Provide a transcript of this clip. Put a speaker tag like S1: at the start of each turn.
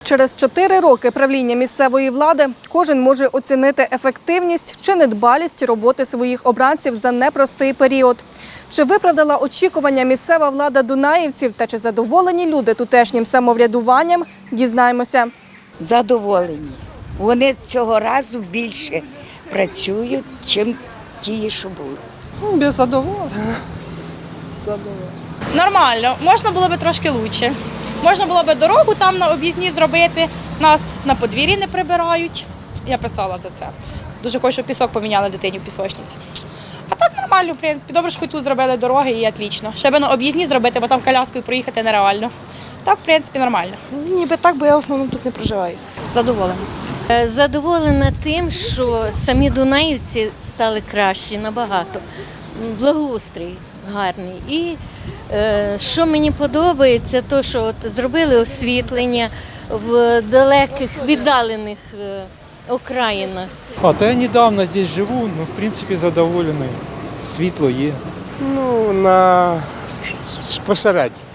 S1: Через 4 роки правління місцевої влади кожен може оцінити ефективність чи недбалість роботи своїх обранців за непростий період. Чи виправдала очікування місцева влада дунаївців та чи задоволені люди тутешнім самоврядуванням – дізнаємося.
S2: Задоволені. Вони цього разу більше працюють, ніж ті, що були.
S3: Без задоволення.
S4: Нормально, можна було б трошки краще. Можна було б дорогу там на об'їзні зробити, нас на подвір'ї не прибирають. Я писала за це. Дуже хочу, щоб пісок поміняли дитині в пісочниці. А так нормально, в принципі. Добре, що хоч тут зробили дороги і отлично. Ще би на об'їзні зробити, бо там коляскою проїхати нереально. Так, в принципі, нормально.
S3: Ніби так, бо я в основному тут не проживаю.
S4: Задоволена.
S5: Задоволена тим, що самі дунаївці стали кращі набагато. Благоустрій гарний. І що мені подобається, то що от зробили освітлення в далеких, віддалених окраїнах.
S6: То я недавно здесь живу, в принципе, задоволений. Світло є.
S7: Посередньо.